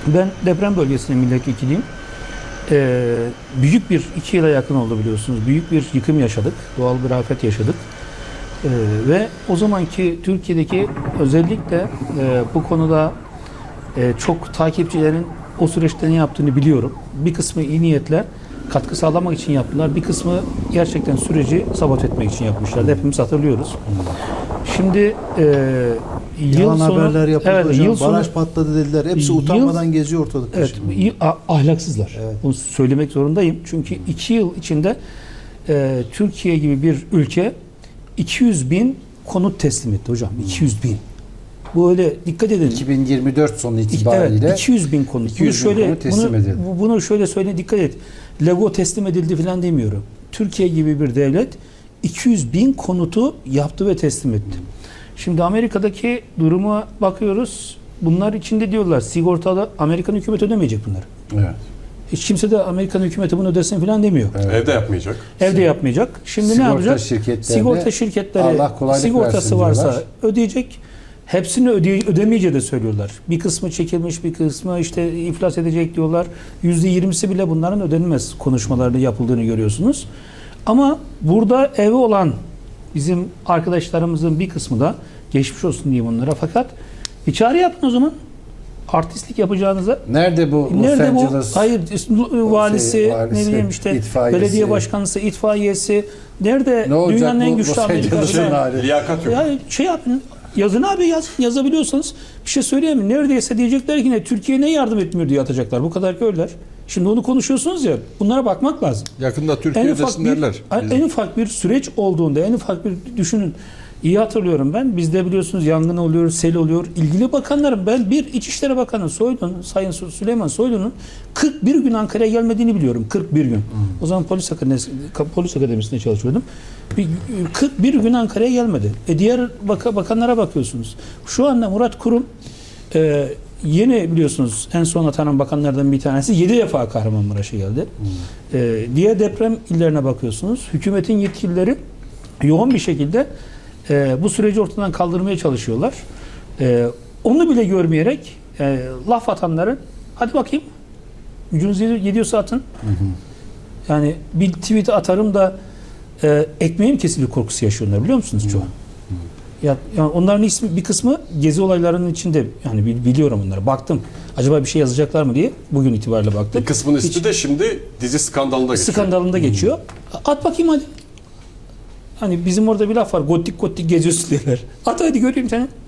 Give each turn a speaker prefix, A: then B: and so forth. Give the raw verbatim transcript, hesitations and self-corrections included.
A: Ben deprem bölgesinin milletvekiliyim. Ee, büyük bir, iki yıla yakın oldu biliyorsunuz. Büyük bir yıkım yaşadık. Doğal bir afet yaşadık. Ee, ve o zamanki Türkiye'deki özellikle e, bu konuda e, çok takipçilerin o süreçte ne yaptığını biliyorum. Bir kısmı iyi niyetler katkı sağlamak için yaptılar. Bir kısmı gerçekten süreci sabote etmek için yapmışlar. Hepimiz hatırlıyoruz. Şimdi e, yıl
B: Yalan
A: sonu,
B: haberler yapıldı
A: evet,
B: hocam.
A: yıl sonu,
B: Baraj patladı dediler. Hepsi
A: Yıl-
B: utanmadan geziyor ortalıkta
A: evet,
B: şimdi.
A: iyi- a- ahlaksızlar.
B: Evet.
A: Bunu söylemek zorundayım. Çünkü iki yıl içinde e, Türkiye gibi bir ülke iki yüz bin konut teslim etti hocam. iki yüz bin. Bu öyle dikkat edin.
B: iki bin yirmi dört sonu
A: İki-
B: itibariyle
A: Evet, iki yüz bin konut.
B: iki yüz
A: bunu
B: bin
A: şöyle,
B: konut teslim
A: bunu,
B: edildi.
A: bu- bunu şöyle söyle, dikkat et. Lego teslim edildi falan demiyorum. Türkiye gibi bir devlet iki yüz bin konutu yaptı ve teslim etti. Şimdi Amerika'daki duruma bakıyoruz. Bunlar içinde diyorlar sigortalı Amerikan hükümeti ödemeyecek bunları.
B: evet.
A: Hiç kimse de Amerikan hükümeti bunu ödesin falan demiyor.
B: Evet.
C: Evde yapmayacak.
A: Evde yapmayacak. Şimdi ne
B: Sigorta
A: yapacak?
B: şirketlerine
A: Sigorta şirketleri
B: Allah kolaylık
A: sigortası
B: versin
A: varsa
B: diyorlar.
A: ödeyecek. Hepsini öde ödemeyeceği de söylüyorlar. Bir kısmı çekilmiş, bir kısmı işte iflas edecek diyorlar. yüzde yirmisi bile bunların ödenmez konuşmalarda yapıldığını görüyorsunuz. Ama burada evi olan bizim arkadaşlarımızın bir kısmı da geçmiş olsun diyeyim onlara. Fakat bir çağrı yapın o zaman. Artistlik yapacağınıza.
B: Nerede bu Los
A: Nerede bu?
B: Angeles?
A: Hayır, valisi,
B: şey, valisi,
A: ne bileyim işte
B: itfaiyesi.
A: belediye başkanısı, itfaiyesi. Nerede
B: Ne olacak
A: dünyanın en
B: bu
A: güçlü
B: Los Angeles'ın
A: Amerika'sı?
B: hali?
C: Liyakat yok.
A: Ya şey yapın. Yazın abi, yaz, yazabiliyorsanız bir şey söyleyeyim mi? Neredeyse diyecekler ki ne, Türkiye ne yardım etmiyor diye atacaklar. Bu kadar köyler. Şimdi onu konuşuyorsunuz ya, bunlara bakmak lazım.
D: Yakında
A: En
D: Türkiye
A: ufak
D: ödesin
A: bir,
D: derler.
A: en ufak bir süreç olduğunda, en ufak bir düşünün. İyi hatırlıyorum ben. Bizde biliyorsunuz yangın oluyor, sel oluyor. İlgili bakanların, ben bir İçişleri Bakanı Soylu'nun, Sayın Süleyman Soylu'nun kırk bir gün Ankara'ya gelmediğini biliyorum. kırk bir gün. Hmm. O zaman polis akademisi, polis akademisinde çalışıyordum. Bir, kırk bir gün Ankara'ya gelmedi. E diğer baka, bakanlara bakıyorsunuz. Şu anda Murat Kurum e, yeni biliyorsunuz en son atanan bakanlardan bir tanesi yedi defa Kahramanmaraş'a geldi. Hmm. E, diğer deprem illerine bakıyorsunuz. Hükümetin yetkilileri yoğun bir şekilde e, bu süreci ortadan kaldırmaya çalışıyorlar. E, onu bile görmeyerek e, laf atanların hadi bakayım gücünüz yediyorsa atın. Hı hı. Yani bir tweet atarım da e, ekmeğim kesilir korkusu yaşıyorlar biliyor musunuz çoğu? Hı hı. Ya, yani onların ismi bir kısmı gezi olaylarının içinde, yani biliyorum onları. Baktım. Acaba bir şey yazacaklar mı diye bugün itibariyle baktım.
C: Bir kısmının ismi
A: Hiç,
C: de şimdi dizi skandalında geçiyor.
A: skandalında geçiyor. At bakayım hadi. Hani bizim orada bir laf var. Gotik gotik geziyorsun diyorlar. At hadi göreyim seni.